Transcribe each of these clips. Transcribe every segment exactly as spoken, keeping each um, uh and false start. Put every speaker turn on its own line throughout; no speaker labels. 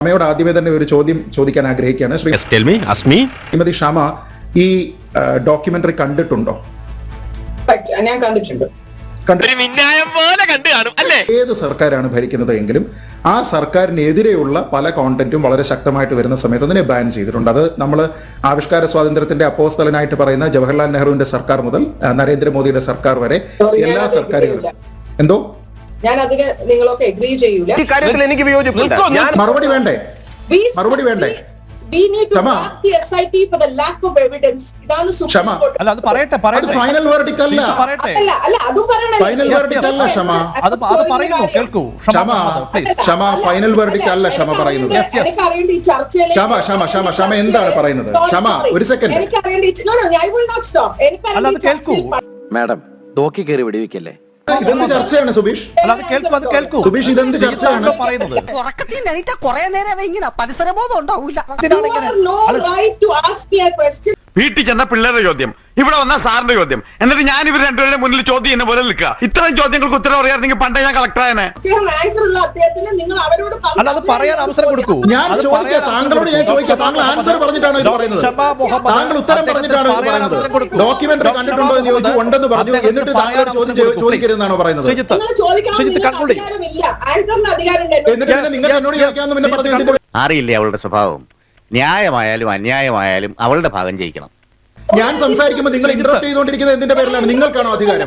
ക്ഷമയോട് ആദ്യമേ തന്നെ ഒരു ചോദ്യം ചോദിക്കാൻ ആഗ്രഹിക്കുകയാണ്. ശ്രീ ശ്രീമതി ക്ഷമ ഈ ഡോക്യുമെന്ററി കണ്ടിട്ടുണ്ടോ?
ഞാൻ കണ്ടിട്ടുണ്ട്.
ഏത് സർക്കാരാണ് ഭരിക്കുന്നത് എങ്കിലും ആ സർക്കാരിനെതിരെയുള്ള പല കോണ്ടന്റും വളരെ ശക്തമായിട്ട് വരുന്ന സമയത്ത് അതിനെ ബാൻ ചെയ്തിട്ടുണ്ട്. അത് നമ്മൾ ആവിഷ്കാര സ്വാതന്ത്ര്യത്തിന്റെ അപ്പോസ്തലനായിട്ട് പറയുന്ന ജവഹർലാൽ നെഹ്റുവിന്റെ സർക്കാർ മുതൽ നരേന്ദ്രമോദിയുടെ സർക്കാർ വരെ എല്ലാ സർക്കാരുകളും. എന്തോ
ഞാൻ അതിന് നിങ്ങളൊക്കെ എഗ്രി ചെയ്യൂല.
ഈ കാര്യത്തിൽ എനിക്ക് വിയോജിപ്പുണ്ട്.
മറുപടി വേണ്ടേ? മറുപടി വേണ്ടേ?
We need to ask the S I T for the lack of evidence. ഇതാണ് സുപ്രീം കോടതി.
അല്ല അത് പറയട്ടെ പറയട്ടെ.
ഫൈനൽ വെർഡിക്റ്റ് അല്ല.
അല്ല അല്ല അതും പറയണം.
ഫൈനൽ വെർഡിക്റ്റ് അല്ല ക്ഷമ.
അത് അത് പറയുന്നു കേൾക്കൂ.
ക്ഷമ പ്ലീസ്. ക്ഷമ ഫൈനൽ വെർഡിക്റ്റ് അല്ല ക്ഷമ പറയുന്നത്.
എനിക്ക് അറിയേണ്ട ഈ ചർച്ചയിലെ
ക്ഷമ ക്ഷമ ക്ഷമ ക്ഷമ എന്താണ് പറയുന്നത്? ക്ഷമ ഒരു സെക്കൻഡ്.
എനിക്ക് അറിയേണ്ട no no I will not stop. എനിക്ക്
അല്ല അത് കേൾക്കൂ.
മാഡം തോക്കി കയറി വെടിവെക്കല്ലേ.
ഇതെന്ത് ചർച്ചയാണ് സുബീഷ്?
അല്ല അത് കേൾക്കൂ അത് കേൾക്കൂ.
സുബീഷ് ഇതെന്ത് ചർച്ചയാണ്
പറയുന്നത്?
ഉറക്കത്തിൽ നിന്നിട്ട് കുറേ നേരം ഇങ്ങനെ പരിസരബോധം ഉണ്ടാവില്ല.
വീട്ടിൽ ചെന്ന പിള്ളേരുടെ ചോദ്യം, ഇവിടെ വന്ന സാറിന്റെ ചോദ്യം, എന്നിട്ട് ഞാൻ ഇവർ രണ്ടുപേരുടെ മുന്നിൽ ചോദ്യം എന്നെ പോലെ നിൽക്കുക. ഇത്തരം ചോദ്യങ്ങൾക്ക് ഉത്തരം അറിയാമെങ്കിൽ പണ്ടേ ഞാൻ കളക്ടറായനെ.
അല്ല അത് പറയാൻ അവസരം കൊടുക്കൂ.
ഞാൻ ചോദിക്കാം താങ്കളോട്, ഞാൻ ചോദിക്കാം താങ്കൾ ആൻസർ പറഞ്ഞിട്ടാണോ ഇത് പറയുന്നത്? താങ്കൾ ഉത്തരം പറഞ്ഞിട്ടാണോ ഇത് പറയുന്നത്? ഡോക്യുമെന്ററി കണ്ടിട്ടുണ്ടോ എന്ന് ചോദിച്ചു, ഉണ്ടെന്ന് പറഞ്ഞു, എന്നിട്ട് താങ്കൾ ചോദ്യം ചോദിക്കരുതെന്നാണോ പറയുന്നത്?
എന്നിട്ട്
നിങ്ങൾ എന്നോട് ചോദിക്കാമെന്ന് പിന്നെ പറഞ്ഞു.
അറിയില്ലേ അവളുടെ സ്വഭാവം? ന്യായമായാലും അന്യായമായാലും അവളുടെ ഭാഗം ജയിക്കണം.
ഞാൻ സംസാരിക്കുമ്പോൾ നിങ്ങൾ ഇന്ററപ്റ്റ് ചെയ്തുകൊണ്ടിരിക്കുന്നത് എന്തിന്റെ പേരിലാണ്? നിങ്ങൾക്കാണോ അധികാരം?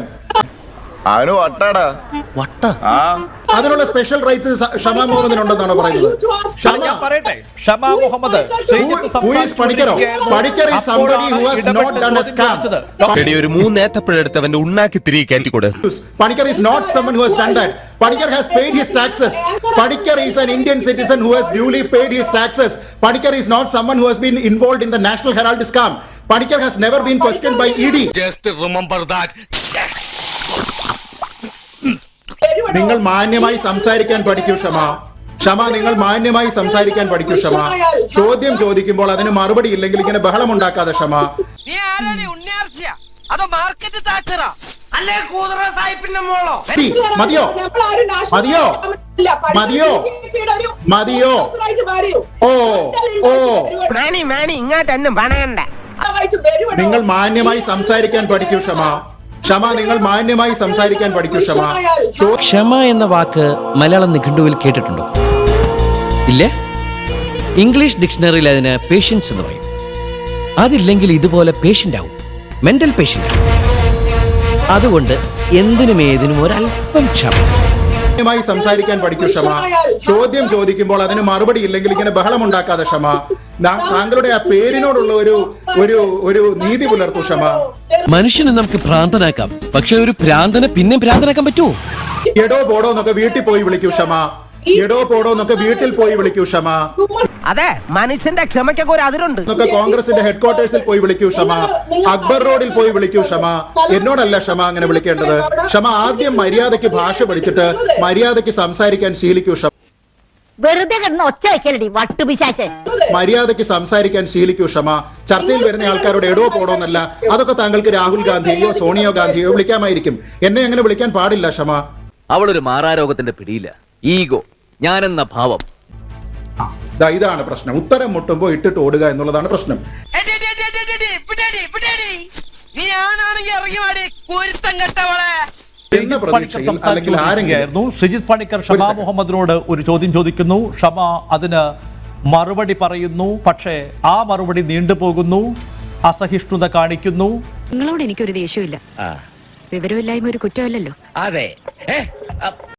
അതിനുള്ള സ്പെഷ്യൽ റൈറ്റ്സ് ഷമാ മുഹമ്മദിനുണ്ടെന്നാണോ പറയുന്നത്?
ഞാൻ പറയട്ടെ, ഷമാ മുഹമ്മദ്
ഒരു മൂന്നേത്തപ്പഴെടുത്തവന്റെ ഉണ്ണാക്കി തിരികെ കയറ്റിക്കൂടെ.
Panikkar is not someone who has done that. Panikkar has paid his taxes. Panikkar is an Indian citizen who has duly paid his taxes. Panikkar is not someone who has been involved in the National Herald scam. Panikkar has never been questioned by E D.
Just remember that.
നിങ്ങൾ മാന്യമായി സംസാരിക്കാൻ പഠിക്കൂ ക്ഷമ. ക്ഷമ നിങ്ങൾ മാന്യമായി സംസാരിക്കാൻ പഠിക്കൂ ക്ഷമ. ചോദ്യം ചോദിക്കുമ്പോൾ അതിന് മറുപടി ഇല്ലെങ്കിൽ ഇങ്ങനെ ബഹളം ഉണ്ടാക്കാതെ ക്ഷമ. മതിയോ മതിയോ മതിയോ മതിയോ? ഓ ഓ നിങ്ങൾ മാന്യമായി സംസാരിക്കാൻ പഠിക്കൂ ക്ഷമ. ക്ഷമ നിങ്ങൾ മാന്യമായി സംസാരിക്കാൻ പഠിക്കൂ ക്ഷമ.
ക്ഷമ എന്ന വാക്ക് മലയാളം നിഘണ്ടുവിൽ കേട്ടിട്ടുണ്ടോ? ഇല്ലേ? ഇംഗ്ലീഷ് ഡിക്ഷണറിയിൽ അതിന് പേഷ്യൻസ് എന്ന് പറയും. അതില്ലെങ്കിൽ ഇതുപോലെ പേഷ്യൻ്റ് ആവും, മെന്റൽ പേഷ്യൻ്റ്. അതുകൊണ്ട് എന്തിനും ഏതിനും ഒരല്പം ക്ഷമ.
മാന്യമായി സംസാരിക്കാൻ പഠിക്കൂ ക്ഷമ. ചോദ്യം ചോദിക്കുമ്പോൾ അതിന് മറുപടി ഇല്ലെങ്കിൽ ഇങ്ങനെ ബഹളം ഉണ്ടാക്കാതെ ക്ഷമ. താങ്കളുടെ ആ പേരിനോടുള്ള ഒരു ഒരു ഒരു നീതി പുലർത്തൂ ക്ഷമ.
മനുഷ്യനെ നമുക്ക് ഭ്രാന്തനാക്കാം, പക്ഷെ ഒരു ഭ്രാന്തനെ പിന്നെ ഭ്രാന്തനാക്കാൻ പറ്റുമോ?
എടോ പോടോ എന്നൊക്കെ വീട്ടിൽ പോയി വിളിക്കൂ ക്ഷമ. എടോ പോടോ എന്നൊക്കെ വീട്ടിൽ പോയി വിളിക്കൂ ക്ഷമ.
അതെ, മനുഷ്യന്റെ ക്ഷമയ്ക്കൊക്കെ ഒരു അതിരുണ്ട്.
എന്നൊക്കെ കോൺഗ്രസിന്റെ ഹെഡ് ക്വാർട്ടേഴ്സിൽ പോയി വിളിക്കൂ ക്ഷമ. അക്ബർ റോഡിൽ പോയി വിളിക്കൂ ക്ഷമ. എന്നോടല്ല ക്ഷമ അങ്ങനെ വിളിക്കേണ്ടത്. ക്ഷമ ആദ്യം മര്യാദയ്ക്ക് ഭാഷ പഠിച്ചിട്ട് മര്യാദയ്ക്ക് സംസാരിക്കാൻ ശീലിക്കൂ ക്ഷമ.
വെറുതെ കിടന്ന് ഒച്ച വയ്ക്കലടി വട്ടുപിശാചേ.
മര്യാദയ്ക്ക് സംസാരിക്കാൻ ശീലിക്കൂ ക്ഷമ. ചർച്ചയിൽ വരുന്ന ആൾക്കാരോട് എടോ പോടോന്നല്ല. അതൊക്കെ താങ്കൾക്ക് രാഹുൽ ഗാന്ധിയോ സോണിയോ ഗാന്ധിയോ വിളിക്കാമായിരിക്കും. എന്നെ അങ്ങനെ വിളിക്കാൻ പാടില്ല ക്ഷമ.
അവളൊരു മാറാരോഗത്തിന്റെ പിടിയില്ല. ഈഗോ, ഞാനെന്ന ഭാവം.
ഇതാണ് പ്രശ്നം. ഉത്തരം മുട്ടുമ്പോ ഇട്ടിട്ട് ഓടുക എന്നുള്ളതാണ് പ്രശ്നം.
ശ്രീജിത്ത് പണിക്കർ ഷമാ മുഹമ്മദിനോട് ഒരു ചോദ്യം ചോദിക്കുന്നു. ഷമ അതിന് മറുപടി പറയുന്നു. പക്ഷേ ആ മറുപടി നീണ്ടുപോകുന്നു, അസഹിഷ്ണുത കാണിക്കുന്നു.
നിങ്ങളോട് എനിക്കൊരു ദേഷ്യമില്ല. വിവരമില്ലായ്മ ഒരു കുറ്റമല്ലല്ലോ.
അതെ.